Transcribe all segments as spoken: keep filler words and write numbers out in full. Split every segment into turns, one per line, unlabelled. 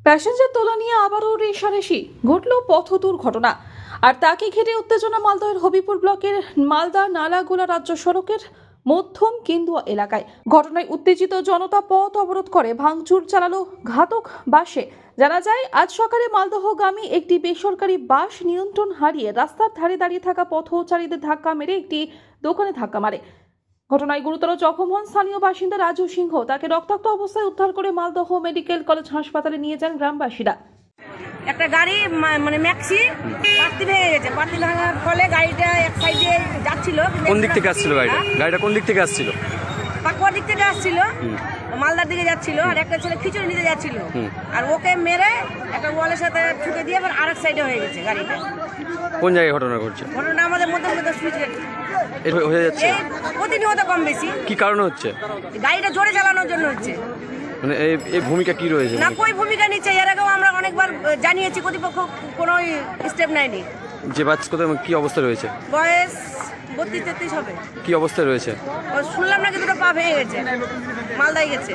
Passenger তোলা নিয়ে আবারও রেষারেষি ঘটল পথ দুর্ঘটনা। আর তাকে ঘিরে উত্তেজনা মালদহের হবিপুর ব্লকের মালদা নালাগোলা রাজ্য সড়কের মধ্যম কেন্দুয়া এলাকায়। ঘটনায় উত্তেজিত জনতা পথ অবরোধ করে ভাঙচুর চালালো ঘাতক বাসে। জানা যায়, আজ সকালে মালদহগামী একটি বেসরকারি বাস নিয়ন্ত্রণ হারিয়ে রাস্তার ধারে দাঁড়িয়ে থাকা পথচারীদের ধাক্কা মেরে একটি দোকানে ধাক্কা মারে। ঘটনায় গুরুতর জখম হন স্থানীয় বাসিন্দা রাজু সিংহ। তাকে রক্তাক্ত অবস্থায় উদ্ধার করে মালদহ মেডিকেল কলেজ হাসপাতালে নিয়ে যান গ্রামবাসীরা।
একটা গাড়ি মানে ম্যাক্সি পাত্তি ভেঙে গেছে। পাত্তি ভাঙার ফলে গাড়িটা এক সাইডে যাচ্ছিল।
কোন দিক থেকে আসছিল গাড়িটা? গাড়িটা কোন দিক থেকে আসছিল?
পাকুয়ার দিক থেকে আসছিল, মালদার দিকে যাচ্ছিল। আর একটা ছেলে খিচুড়ি নিতে যাচ্ছিল, আর ওকে মেরে একটা ওয়ালের সাথে ছুটে দিয়ে আবার আরেক সাইডে হয়ে গেছে গাড়িটা।
কোন জায়গায় ঘটনা ঘটছে?
ঘটনা আমাদের মধ্যে মধ্যে সুইচ গেট
এটা হয়ে যাচ্ছে
প্রতিনিয়ত কম বেশি।
কি কারণে হচ্ছে?
গাড়িটা জোরে চালানোর জন্য হচ্ছে।
মানে এই এই ভূমিকা কি রয়েছে?
না, কই ভূমিকা নিচ্ছে। এর আগেও আমরা অনেকবার জানিয়েছি, কর্তৃপক্ষ কোনো স্টেপ নেয়নি।
যে বাচ্চা কোথায় কি অবস্থা রয়েছে?
বয়স বত্রিশ তেত্রিশ হবে।
কি অবস্থায় রয়েছে?
শুনলাম নাকি দুটো পা ভেঙে গেছে, মালদায় গেছে।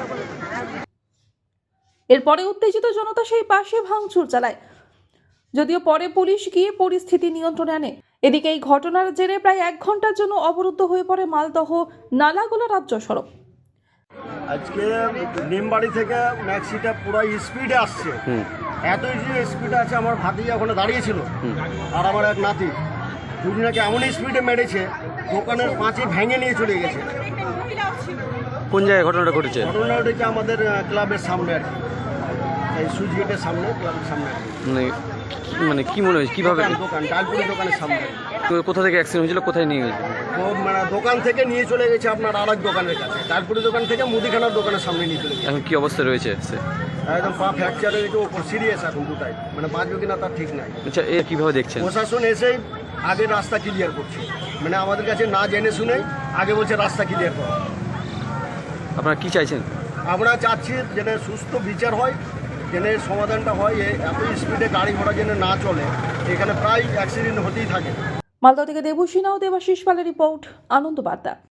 এরপরে উত্তেজিত জনতা সেই পাশে ভাঙচুর চালায়, যদিও পরে পুলিশ গিয়ে পরিস্থিতি নিয়ন্ত্রণে আনে। এদিকে এই ঘটনার জেরে প্রায় এক ঘন্টার জন্য অবরুদ্ধ হয়ে পড়ে মালদহ নালাগোলা রাজ্য সড়ক।
আজকে নিমবাড়ি থেকে ম্যাক্সিটা পুরো স্পিডে আসছে। এত স্পিডে আছে, আমার ভাতিজা ওখানে দাঁড়িয়েছিল আর আমার এক নাতি, দুজনাকে এমন স্পিডে মেরেছে দোকানের পাঁচে ভেঙে নিয়ে চলে গেছে।
কোন জায়গায় ঘটনাটা ঘটেছে?
ঘটনা ঘটেছে আমাদের ক্লাবের সামনে আর কি, এই সুইচ গেটের সামনে, ক্লাবের সামনে।
মানে মানে কি মনে হয়েছে কিভাবে?
দোকান ডালপুরি দোকানের সামনে।
তো কোথা থেকে অ্যাক্সিডেন্ট হয়েছিল, কোথায় নিয়ে গেছে?
ও মানে দোকান থেকে নিয়ে চলে গেছে আপনার আর এক দোকানের কাছে, ডালপুরি দোকান থেকে মুদিখানার দোকানের সামনে নিয়ে চলে গেছে।
এখন কি অবস্থা রয়েছে?
একদম পা ফ্র্যাকচার হয়ে গেছে, ওপর সিরিয়াস এখন দুটাই, মানে বাঁচবে কিনা তার ঠিক নাই।
আচ্ছা, এ কিভাবে দেখছেন?
প্রশাসন এসেই আগে রাস্তা ক্লিয়ার করছে, মানে আমাদের কাছে না জেনে শুনে আগে বলছে রাস্তা ক্লিয়ার করো।
আপনারা কি চাইছেন?
আমরা চাচ্ছি যেন সুস্থ বিচার হয়, যেন সমাধানটা হয়। এত স্পিডে গাড়ি ঘোড়া যেন না চলে, এখানে প্রায় অ্যাক্সিডেন্ট হতেই থাকে।
মালদহ থেকে দেবুসিনা ও দেবাশিস পালের রিপোর্ট, আনন্দ বার্তা।